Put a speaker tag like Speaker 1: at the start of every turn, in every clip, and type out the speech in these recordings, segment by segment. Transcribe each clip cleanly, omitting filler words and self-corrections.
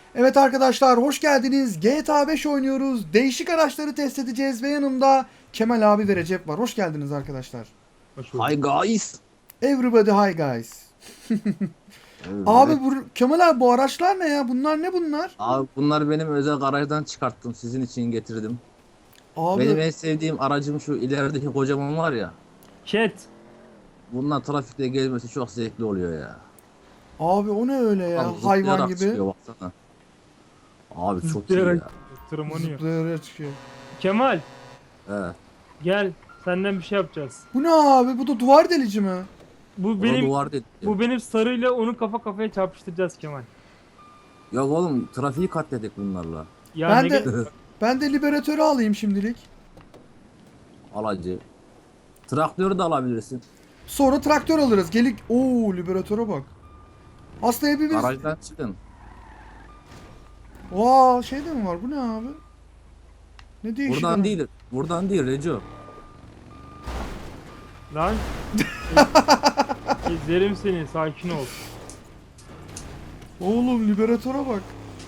Speaker 1: Evet arkadaşlar hoş geldiniz. GTA 5 oynuyoruz. Değişik araçları test edeceğiz ve yanımda Kemal abi ve Recep var. Hoş geldiniz arkadaşlar.
Speaker 2: Hoş
Speaker 3: Hi
Speaker 2: bulduk.
Speaker 3: guys.
Speaker 1: Everybody hi guys. Abi
Speaker 3: Evet.
Speaker 1: Kemal abi bu araçlar ne ya? Bunlar ne bunlar?
Speaker 3: Abi bunlar benim özel garajdan çıkarttım. Sizin için getirdim.
Speaker 1: Abi
Speaker 3: Benim en sevdiğim aracım şu ilerideki kocaman var ya.
Speaker 2: Chat.
Speaker 3: Bununla trafikte gezmesi çok zevkli oluyor ya.
Speaker 1: abi o ne öyle
Speaker 3: Tam
Speaker 1: ya? Hayvan
Speaker 3: zıplayarak
Speaker 1: gibi
Speaker 3: çıkıyor baksana. Abi çok iyi
Speaker 2: Zıplayarak
Speaker 3: ya.
Speaker 2: tırmanıyor.
Speaker 1: zıplayarak çıkıyor.
Speaker 2: Kemal
Speaker 3: Evet.
Speaker 2: gel. Senden bir şey yapacağız.
Speaker 1: Bu ne abi? Bu da duvar delici mi?
Speaker 2: Bu
Speaker 3: O da
Speaker 2: benim
Speaker 3: duvar dedi.
Speaker 2: bu benim sarıyla onu kafa kafaya çarpıştıracağız Kemal.
Speaker 3: Yok oğlum trafiği katledik bunlarla.
Speaker 2: Ya
Speaker 1: Ben
Speaker 2: ne
Speaker 1: de
Speaker 2: gerek var?
Speaker 1: ben de liberatörü alayım şimdilik.
Speaker 3: Alacı. Traktörü de alabilirsin.
Speaker 1: Sonra traktör alırız. Gelik. Oo liberatöre bak. Aslında hepimiz.
Speaker 3: Garajdan çıkın.
Speaker 1: Vaa şey de mi var? Bu ne abi? Ne değişik
Speaker 3: Buradan
Speaker 1: ama.
Speaker 3: değil. Buradan değil Reco.
Speaker 2: Lan. İzlerim seni, sakin ol.
Speaker 1: Oğlum liberatöre bak.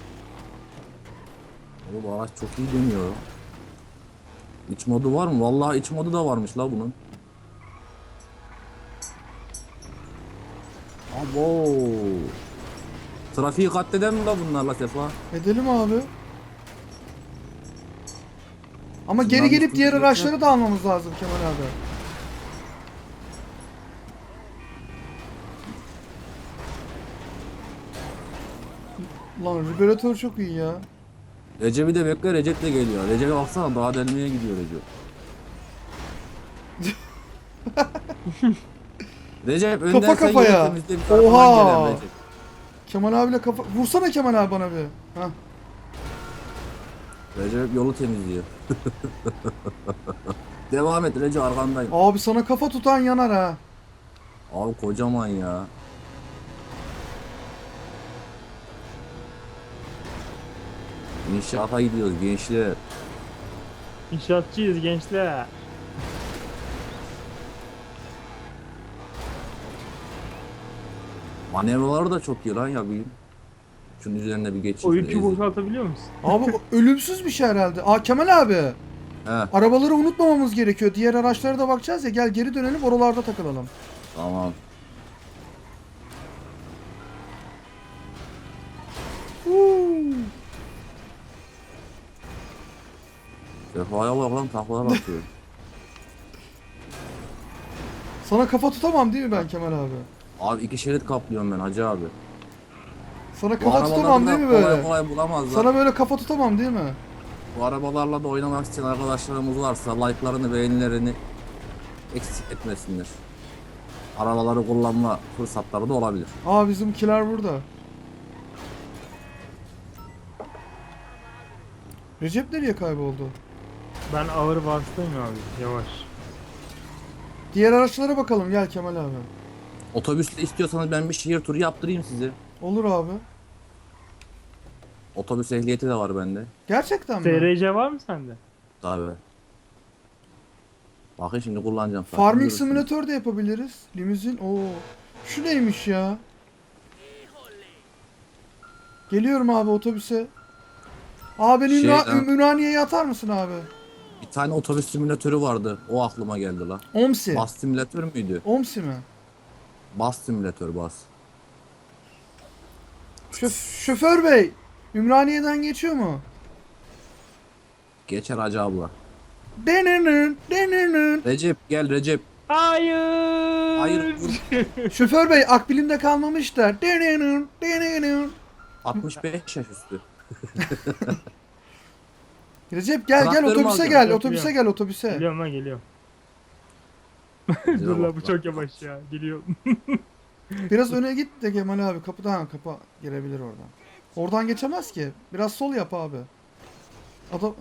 Speaker 3: Oğlum araç çok iyi dönüyor. İç modu var mı? Vallahi iç modu da varmış la bunun. Abo. Trafiği katleden mi la bunlarla Sefa?
Speaker 1: Edelim abi. Ama geri
Speaker 3: Şunların
Speaker 1: gelip
Speaker 3: üstünde
Speaker 1: diğer
Speaker 3: yok
Speaker 1: araçları
Speaker 3: ya.
Speaker 1: da almamız lazım Kemal abi. Lan liberatör çok iyi ya.
Speaker 3: Recep'i de bekle, Recep de geliyor. Recep'e baksana daha delmeye gidiyor Recep. Recep önden
Speaker 1: Kafa
Speaker 3: sen yolu
Speaker 1: kafaya.
Speaker 3: temizle bir arkadan gelen
Speaker 1: Oha.
Speaker 3: Recep.
Speaker 1: Kemal abiyle kafa... Vursana Kemal abi bana bir. Hah.
Speaker 3: Recep yolu temizliyor. Devam et Recep arkandayım.
Speaker 1: Abi sana kafa tutan yanar ha.
Speaker 3: Abi kocaman ya. İnşaata gidiyoruz gençler.
Speaker 2: İnşaatçıyız gençler.
Speaker 3: Manevraları da çok iyi lan ya bir. Şunun üzerine bir
Speaker 2: O
Speaker 3: geçeyim.
Speaker 2: yükü
Speaker 3: Ezeyim.
Speaker 2: boşaltabiliyor musun?
Speaker 1: Abi o ölümsüz bir şey herhalde. Aa Kemal abi.
Speaker 3: He
Speaker 1: Arabaları unutmamamız gerekiyor. Diğer araçlara da bakacağız ya. Gel geri dönelim oralarda takılalım.
Speaker 3: tamam.
Speaker 1: Huu.
Speaker 3: Sefa'ya bak lan taklalar atıyor.
Speaker 1: Sana kafa tutamam değil mi ben Kemal abi?
Speaker 3: Abi iki şerit kaplıyorum ben hacı abi.
Speaker 1: Sana
Speaker 3: Bu
Speaker 1: kafa tutamam değil
Speaker 3: arabaları
Speaker 1: mi
Speaker 3: da kolay
Speaker 1: böyle?
Speaker 3: kolay bulamazlar.
Speaker 1: Sana böyle kafa tutamam değil mi?
Speaker 3: Bu arabalarla da oynamak isteyen arkadaşlarımız varsa like'larını beğenilerini eksik etmesinler. Arabaları kullanma fırsatları da olabilir.
Speaker 1: Aa bizimkiler burada. Recep nereye kayboldu?
Speaker 2: Ben ağır vasıtayım abi. Yavaş.
Speaker 1: Diğer araçlara bakalım gel Kemal abi.
Speaker 3: Otobüste istiyorsanız ben bir şehir turu yaptırayım size.
Speaker 1: Olur abi.
Speaker 3: Otobüs ehliyeti de var bende.
Speaker 1: Gerçekten mi?
Speaker 2: SRC var mı sende?
Speaker 3: Tabii. Bakın şimdi kullanacağım. zaten,
Speaker 1: Farming
Speaker 3: görürsünüz.
Speaker 1: Simulator da yapabiliriz. Limuzin. Oo. Şu neymiş ya? Geliyorum abi otobüse. Abi beni
Speaker 3: Şeyden-
Speaker 1: Ümraniye'ye atar mısın abi?
Speaker 3: Bir tane otobüs simülatörü vardı. O aklıma geldi la.
Speaker 1: Omsi.
Speaker 3: Bas simülatör müydü?
Speaker 1: Omsi mi?
Speaker 3: Bas simülatör bas.
Speaker 1: Şoför bey. Ümraniye'den geçiyor mu?
Speaker 3: Geçer hacı abla.
Speaker 1: Denenün, denenün.
Speaker 3: Recep gel Recep.
Speaker 2: Hayır.
Speaker 3: Hayır dur.
Speaker 1: Şoför bey akbilimde kalmamışlar. Denenün, denenün.
Speaker 3: 65 yaş üstü.
Speaker 1: Recep gel gel
Speaker 3: Traktörümü
Speaker 1: otobüse
Speaker 3: alacağım.
Speaker 1: gel otobüse gel otobüse.
Speaker 2: Geliyorum lan geliyorum.
Speaker 3: Recep'e
Speaker 2: Dur lan bu
Speaker 3: bak
Speaker 2: çok yavaş ya. Geliyorum.
Speaker 1: Biraz öne git de Kemal abi kapıdan kapa girebilir oradan. Oradan geçemez ki. Biraz sol yap abi. Adam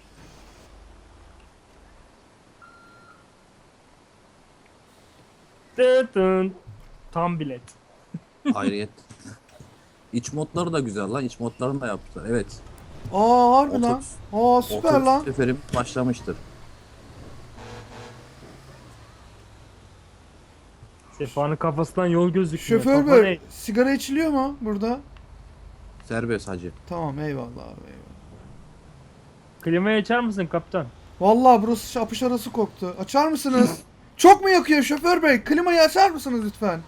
Speaker 2: Tıtın. Tam bilet.
Speaker 3: Hayriyet. İç modları da güzel lan. İç modlarını da yaptılar. Evet.
Speaker 1: aa harbi lan.
Speaker 3: Otobüs.
Speaker 1: Aa süper
Speaker 3: Otobüs
Speaker 1: lan.
Speaker 3: seferim başlamıştır.
Speaker 2: Sefa'nın kafasından yol gözükmüyor.
Speaker 1: Şoför
Speaker 2: Kafa
Speaker 1: bey
Speaker 2: ne?
Speaker 1: sigara içiliyor mu burada?
Speaker 3: Serbest hacı.
Speaker 1: Tamam eyvallah abi eyvallah.
Speaker 2: Klimayı açar mısın kaptan?
Speaker 1: Vallahi burası apış arası koktu. Açar mısınız? Çok mu yakıyor şoför bey? Klimayı açar mısınız lütfen?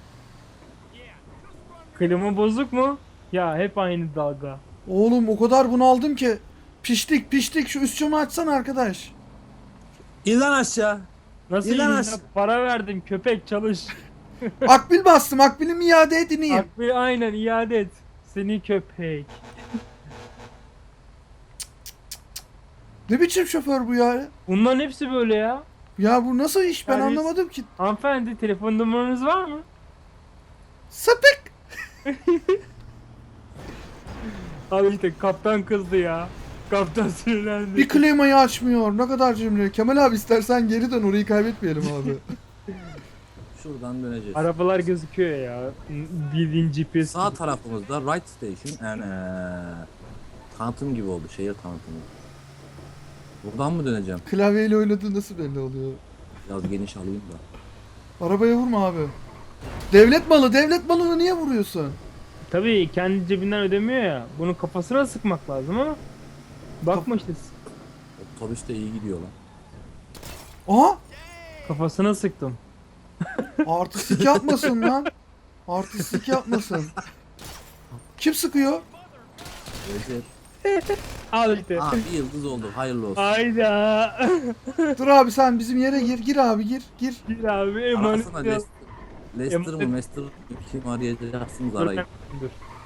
Speaker 2: Klima bozuk mu? Ya hep aynı dalga.
Speaker 1: Oğlum o kadar bunaldım ki. Piştik piştik, şu üst camı açsana arkadaş.
Speaker 3: İn lan aşağı.
Speaker 2: Nasıl
Speaker 3: İlan
Speaker 2: yiyeyim
Speaker 3: aç-
Speaker 2: ya? Para verdim köpek çalış.
Speaker 1: Akbil bastım, akbilimi iade edineyim.
Speaker 2: Akbil aynen iade et. Seni köpek.
Speaker 1: Ne biçim şoför bu ya?
Speaker 2: Bunların hepsi böyle ya.
Speaker 1: Ya bu nasıl iş, ben
Speaker 2: Yani-
Speaker 1: anlamadım ki.
Speaker 2: Hanımefendi telefon numaranız var mı?
Speaker 1: Sapık.
Speaker 2: Al işte kaptan kızdı ya. Kaptan sinirlendi.
Speaker 1: Bir klimayı açmıyor. Ne kadar cimri. Kemal abi istersen geri dön, orayı kaybetmeyelim abi.
Speaker 3: Şuradan döneceğiz.
Speaker 2: Arabalar gözüküyor ya. Bildiğin GPS.
Speaker 3: Sağ tarafımızda right station and tanıtım gibi oldu. Şehir tanıtımı. Buradan mı döneceğim?
Speaker 1: Klavyeyle oynadığı nasıl belli oluyor?
Speaker 3: Biraz geniş alayım da.
Speaker 1: Arabaya vurma abi. Devlet malı, devlet malını niye vuruyorsun?
Speaker 2: Tabii kendi cebinden ödemiyor ya. Bunun kafasına sıkmak lazım ama. Bakma işte.
Speaker 3: Otobüs de iyi gidiyor lan.
Speaker 1: Aha!
Speaker 2: Kafasına sıktım.
Speaker 1: Artistik yapmasın lan. Artistik yapmasın. Kim sıkıyor?
Speaker 3: Recep.
Speaker 2: Al işte.
Speaker 3: Aa bir yıldız oldu. Hayırlı olsun.
Speaker 2: Hayda.
Speaker 1: Dur abi, sen bizim yere gir. Gir abi, gir. Gir.
Speaker 2: Bir abi emanet.
Speaker 3: Arasana Leicester mı
Speaker 2: Emanet-
Speaker 3: Leicester mı? Kim arayacaksınız
Speaker 2: Dur,
Speaker 3: arayın.
Speaker 2: dur.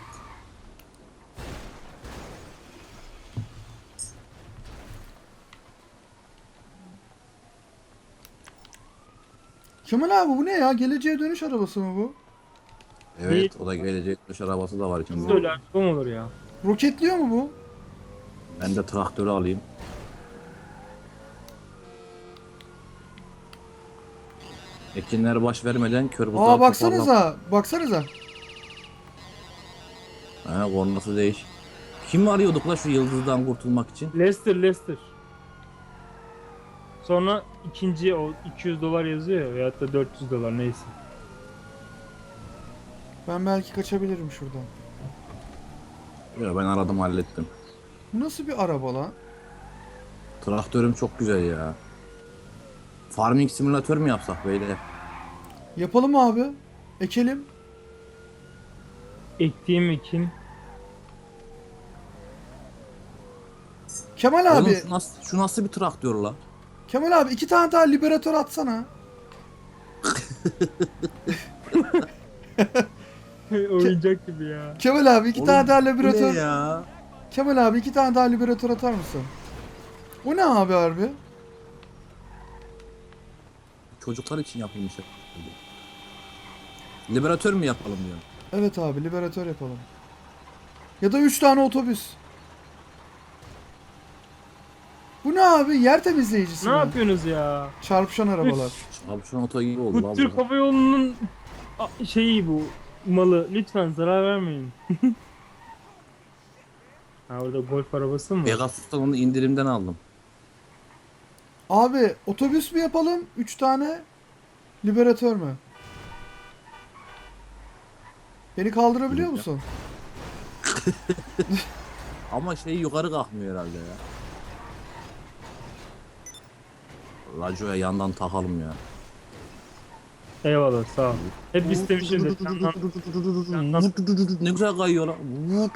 Speaker 1: Kemal abi bu ne ya? Geleceğe dönüş arabası mı bu?
Speaker 3: Evet o da gelecek dış arabası da var
Speaker 2: Nasıl
Speaker 3: içinde.
Speaker 2: öyle araba mı olur ya?
Speaker 1: Roketliyor mu bu?
Speaker 3: Ben de traktörü alayım. Ekinler baş vermeden kör buzağı
Speaker 1: Aa baksanıza. Baksanıza.
Speaker 3: Ha kornası değiş. Kim arıyorduk la şu yıldızdan kurtulmak için?
Speaker 2: Leicester. Sonra ikinci o 200 dolar yazıyor ya veyahut da 400 dolar neyse.
Speaker 1: Ben belki kaçabilirim şuradan.
Speaker 3: Ya ben aradım hallettim.
Speaker 1: Bu nasıl bir araba lan?
Speaker 3: Traktörüm çok güzel ya. Farming simülatör mü yapsak böyle?
Speaker 1: Yapalım abi. Ekelim.
Speaker 2: Ektiğim ekin.
Speaker 1: Kemal
Speaker 3: Oğlum
Speaker 1: abi.
Speaker 3: şu nasıl bir traktör la?
Speaker 1: Kemal abi 2 tane daha liberatör atsana.
Speaker 2: Oyuncak gibi ya.
Speaker 1: Kemal abi 2
Speaker 3: Oğlum,
Speaker 1: tane daha
Speaker 3: bu ne
Speaker 1: liberatör.
Speaker 3: ya?
Speaker 1: Kemal abi 2 tane daha liberatör atar mısın? Bu ne abi harbi?
Speaker 3: Çocuklar için yapılmış. Liberatör mü yapalım diyor.
Speaker 1: Evet abi, liberatör yapalım. Ya da 3 tane otobüs. Bu ne abi? Yer temizleyicisi
Speaker 2: Ne
Speaker 1: mi?
Speaker 2: yapıyorsunuz ya?
Speaker 1: Çarpışan arabalar.
Speaker 3: Abi şu an oto gibi oldu
Speaker 2: Bu
Speaker 3: lan.
Speaker 2: Türk Hava Yolu'nun şeyi bu malı. Lütfen zarar vermeyin. Ha orada golf arabası mı?
Speaker 3: Pegasus'tan onu indirimden aldım.
Speaker 1: Abi otobüs mü yapalım? 3 tane liberatör mü? Beni kaldırabiliyor musun?
Speaker 3: Ama şey yukarı kalkmıyor herhalde ya. Radyoya yandan takalım ya.
Speaker 2: Eyvallah sağ ol. Hep istemişimdir.
Speaker 3: Ne güzel kayıyor lan.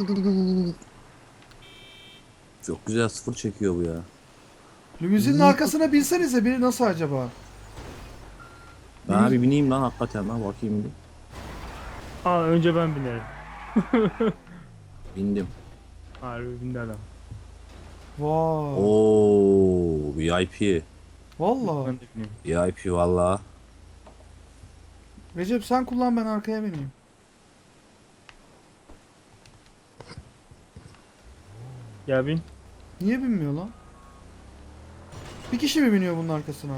Speaker 3: Çok güzel sıfır çekiyor bu ya.
Speaker 1: Limuzinin arkasına binsenize, biri nasıl acaba?
Speaker 3: Ben bir bineyim lan hakikaten lan bakayım bir.
Speaker 2: Aa önce ben binerim.
Speaker 3: Bindim.
Speaker 2: Harbi bindi adam.
Speaker 1: Vay.
Speaker 3: Oo VIP.
Speaker 1: Vallahi.
Speaker 2: Ben de bineyim.
Speaker 3: VIP valla.
Speaker 1: Recep sen kullan, ben arkaya bineyim.
Speaker 2: Ya bin.
Speaker 1: Niye binmiyor lan? Bir kişi mi biniyor bunun arkasına?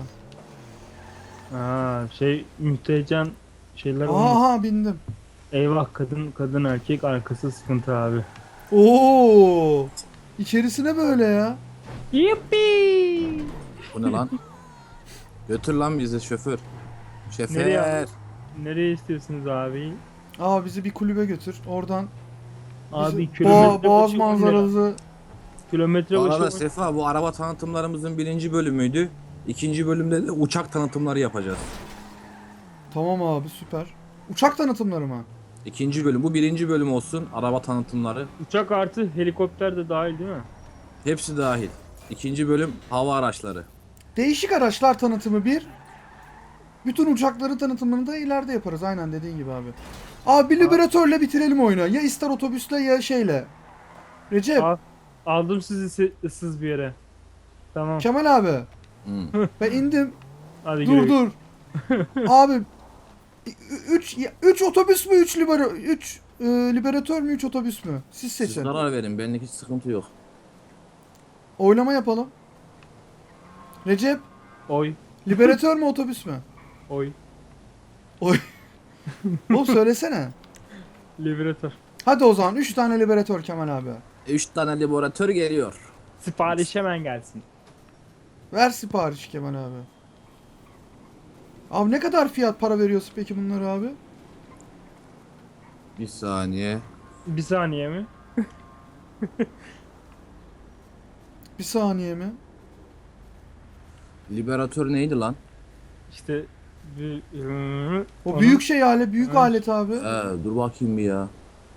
Speaker 2: Aa şey müstehcen şeyler olmuş.
Speaker 1: Aha bindim.
Speaker 2: Eyvah kadın erkek arkası sıkıntı abi.
Speaker 1: Oo! İçerisine böyle ya.
Speaker 2: Yuppi.
Speaker 3: Bu ne lan? Götür lan bizi şoför. Şoför.
Speaker 2: Nereye? Nereye istiyorsunuz abi?
Speaker 1: Aa bizi bir kulübe götür. Oradan
Speaker 2: Abi kilometre
Speaker 1: Boğaz
Speaker 2: başı 10 lira.
Speaker 1: manzarası.
Speaker 2: Kilometre
Speaker 3: Bu
Speaker 2: başı
Speaker 3: arada
Speaker 2: 10
Speaker 3: Sefa, bu araba tanıtımlarımızın birinci bölümüydü. İkinci bölümde de uçak tanıtımları yapacağız.
Speaker 1: Tamam abi süper. Uçak tanıtımları mı?
Speaker 3: İkinci bölüm. Bu birinci bölüm olsun. Araba tanıtımları.
Speaker 2: Uçak artı helikopter de dahil değil mi?
Speaker 3: Hepsi dahil. İkinci bölüm hava araçları.
Speaker 1: Değişik araçlar tanıtımı bir. Bütün uçakların tanıtımını da ileride yaparız. Aynen dediğin gibi abi. Abi bir liberatörle bitirelim oyunu. Ya ister otobüsle ya şeyle. Recep,
Speaker 2: Aldım sizi ıssız bir yere. Tamam.
Speaker 1: Kemal abi.
Speaker 3: Hmm.
Speaker 1: Ben indim.
Speaker 2: Hadi
Speaker 1: Dur
Speaker 2: güle.
Speaker 1: dur. Abi 3 otobüs mü 3 liberatör mü 3 otobüs mü? Siz
Speaker 3: Siz
Speaker 1: seçin.
Speaker 3: karar verin. Benlik hiç sıkıntı yok.
Speaker 1: Oylama yapalım. Recep,
Speaker 2: Oy.
Speaker 1: liberatör mü otobüs mü?
Speaker 2: Oy.
Speaker 1: Oy. Oğlum söylesene.
Speaker 2: Liberatör.
Speaker 1: Hadi o zaman 3 tane liberatör Kemal abi.
Speaker 3: 3 tane laboratuvar geliyor.
Speaker 2: Sipariş hemen gelsin.
Speaker 1: Ver sipariş Kemal abi. Abi ne kadar fiyat para veriyorsun peki bunları abi?
Speaker 3: Bir saniye.
Speaker 2: Bir saniye mi?
Speaker 1: Bir saniye mi?
Speaker 3: Liberatör neydi lan?
Speaker 2: İşte bir...
Speaker 1: O
Speaker 2: Onun
Speaker 1: büyük şey büyük
Speaker 2: Evet.
Speaker 1: alet abi.
Speaker 3: Dur bakayım bir ya.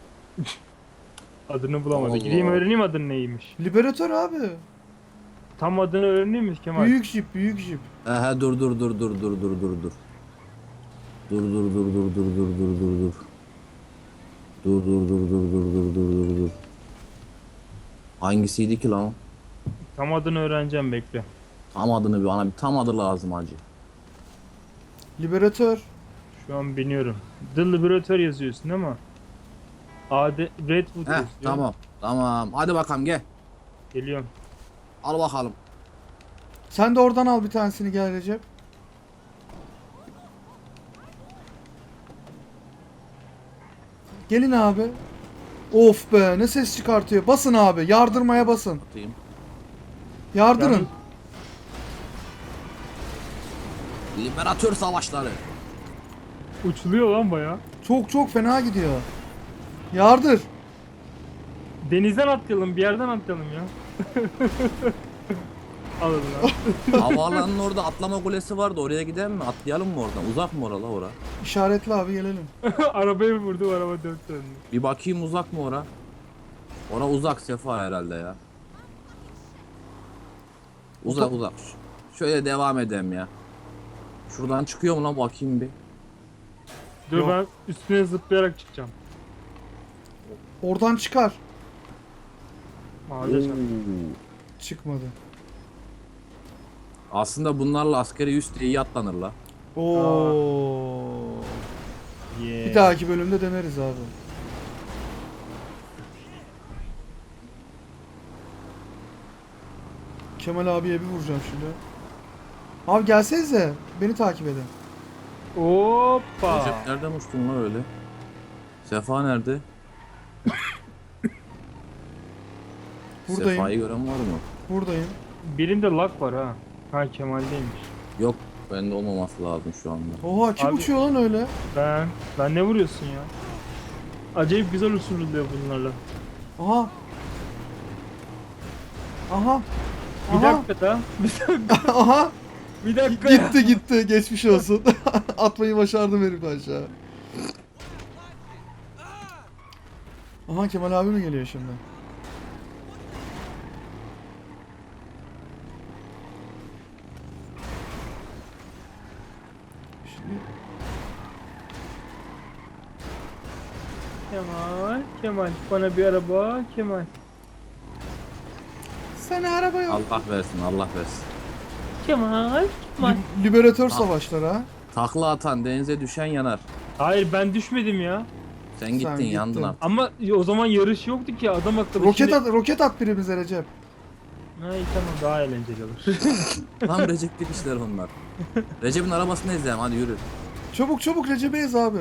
Speaker 2: adını bulamadı.
Speaker 3: Allah.
Speaker 2: Gideyim öğreneyim adını neymiş.
Speaker 1: Liberatör abi.
Speaker 2: Tam adını öğreneyim mi Kemal?
Speaker 1: Büyük jip, büyük jip.
Speaker 3: Dur. Dur dur dur dur dur dur dur. Dur dur dur dur dur dur dur dur dur. Dur dur dur dur dur dur dur dur dur. Hangisiydi ki lan?
Speaker 2: Tam adını öğreneceğim bekle.
Speaker 3: Tam adını bir bana bir tam adı lazım hacı.
Speaker 1: Liberatör.
Speaker 2: Şu an biniyorum. The Liberator yazıyorsun değil mi? Redwood yazıyor.
Speaker 3: Tamam. Tamam. Hadi bakalım gel.
Speaker 2: Geliyorum.
Speaker 3: Al bakalım.
Speaker 1: Sen de oradan al bir tanesini gel Recep. Gelin abi. Of be ne ses çıkartıyor. Basın abi. Yardırmaya basın.
Speaker 3: Atayım.
Speaker 1: Yardırın.
Speaker 3: Liberatör savaşları.
Speaker 2: Uçuluyor lan baya.
Speaker 1: Çok çok fena gidiyor. Yardır.
Speaker 2: Denizden atlayalım, bir yerden atlayalım ya. Alın lan.
Speaker 3: Havaalanının orada atlama kulesi vardı. Oraya gidelim mi? Atlayalım mı oradan? Uzak mı orala ora?
Speaker 1: İşaretli abi gelelim.
Speaker 2: Arabayı vurdu, araba dört döndü.
Speaker 3: Bir bakayım uzak mı ora? Ora uzak Sefa herhalde ya. Uzak uzak. Şöyle devam edelim ya. Şuradan çıkıyor mu lan bakayım bir.
Speaker 2: Dur
Speaker 1: Yok.
Speaker 2: ben üstüne zıplayarak çıkacağım.
Speaker 1: Oradan çıkar.
Speaker 2: Ağaca çarp.
Speaker 1: Çıkmadı.
Speaker 3: Aslında bunlarla askeri üst diye iyi atlanır la.
Speaker 1: Oo.
Speaker 2: Yeah.
Speaker 1: Bir dahaki bölümde deneriz abi. Kemal abiye bir vuracağım şimdi. Abi gelsenize. Beni takip edin.
Speaker 2: Hoppa.
Speaker 3: Recep nereden uçtun lan öyle? Sefa nerede?
Speaker 1: Buradayım.
Speaker 3: Sefa'yı gören var mı?
Speaker 1: Buradayım.
Speaker 2: Birinde lag var ha. Ha Kemal'deymiş.
Speaker 3: Yok, bende olmaması lazım şu anda.
Speaker 1: Oha kim
Speaker 2: Abi-
Speaker 1: uçuyor lan öyle?
Speaker 2: Ben ne vuruyorsun ya? Acayip güzel usulüyor bunlarla.
Speaker 1: Aha. Aha.
Speaker 2: Bir
Speaker 1: Aha.
Speaker 2: dakika da.
Speaker 1: Aha.
Speaker 2: Bir dakika ya.
Speaker 1: Gitti gitti. Geçmiş olsun. Atmayı başardım herif aşağı. Aha Kemal abi mi geliyor şimdi? Şimdi
Speaker 2: Kemal bana bir araba Kemal.
Speaker 1: sana araba yok.
Speaker 3: Allah versin, Allah versin.
Speaker 2: Kemal.
Speaker 1: Liberatör savaşları ha.
Speaker 3: Takla atan, denize düşen yanar.
Speaker 2: Hayır ben düşmedim ya.
Speaker 3: Sen gittin,
Speaker 1: gittin.
Speaker 3: yandın artık.
Speaker 2: Ama o zaman yarış yoktu ki adam akıllı.
Speaker 1: Roket at birimize Recep.
Speaker 2: Ha iyi tamam daha eğlenceli olur.
Speaker 3: Tam Recep'lik işler onlar. Recep'in arabasını izleyelim, hadi yürü.
Speaker 1: Çabuk çabuk Recep'e ez abi.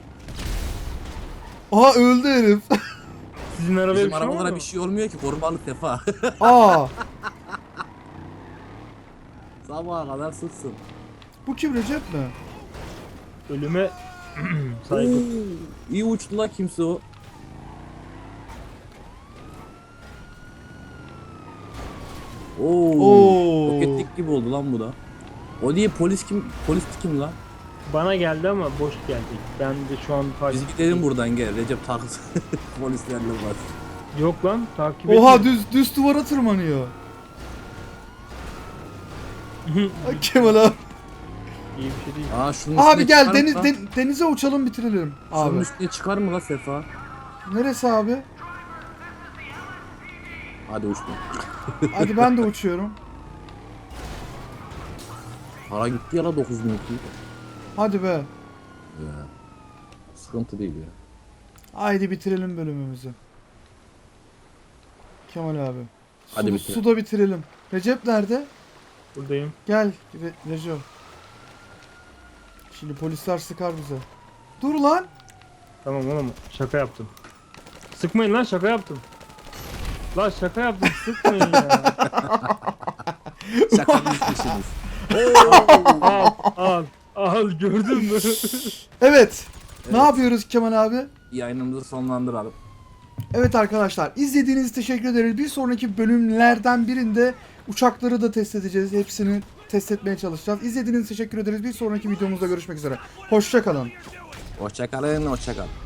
Speaker 1: Aha öldü herif.
Speaker 2: Sizin arabaya
Speaker 3: Bizim
Speaker 2: bir şey var
Speaker 3: arabalara
Speaker 2: mı?
Speaker 3: bir şey olmuyor ki, korumalık Sefa.
Speaker 1: Aa.
Speaker 3: Sabaha kadar sıksın.
Speaker 1: Bu kim Recep mi?
Speaker 2: Ölüme saygı.
Speaker 3: İyi uçtu la kimse o. Oo. Roketlik gibi oldu lan bu da. O diye polis kim? Polis kim lan?
Speaker 2: Bana geldi ama boş geldi. Ben de şu an takip
Speaker 3: Biz gidelim buradan gel. Recep taksın. Polislerle var.
Speaker 2: Yok lan takip
Speaker 1: Oha
Speaker 2: etmiyor.
Speaker 1: düz duvara tırmanıyor. Ay Kemal abi.
Speaker 2: İyi bir şey değil.
Speaker 3: Aa şunun
Speaker 1: Abi
Speaker 3: üstüne
Speaker 1: gel
Speaker 3: çıkar mı lan?
Speaker 1: denize uçalım bitirelim.
Speaker 3: Şunun
Speaker 1: Abi.
Speaker 3: üstüne çıkar mı la Sefa?
Speaker 1: Neresi abi?
Speaker 3: Hadi uçtum.
Speaker 1: Hadi ben de uçuyorum.
Speaker 3: Para gitti ya la 9.000
Speaker 1: Hadi be.
Speaker 3: Ya. Sıkıntı değil ya.
Speaker 1: Haydi bitirelim bölümümüzü. Kemal abi.
Speaker 3: Hadi bitirelim.
Speaker 1: Suda bitirelim. Recep nerede?
Speaker 2: Buradayım.
Speaker 1: Gel Recep. Şimdi polisler sıkar bize. Dur lan.
Speaker 2: Tamam oğlum şaka yaptım. Sıkmayın lan şaka yaptım. Lan şaka yaptım sıkmayın ya.
Speaker 3: Şakanın peşiniz.
Speaker 2: Al gördün mü?
Speaker 1: Evet. Ne
Speaker 3: Evet.
Speaker 1: yapıyoruz Kemal abi?
Speaker 3: Yayınımızı sonlandıralım.
Speaker 1: Evet arkadaşlar izlediğiniz için teşekkür ederiz. Bir sonraki bölümlerden birinde uçakları da test edeceğiz. Hepsini test etmeye çalışacağız. İzlediğiniz için teşekkür ederiz. Bir sonraki videomuzda görüşmek üzere. Hoşça kalın.
Speaker 3: Hoşça kalın, hoşça kalın.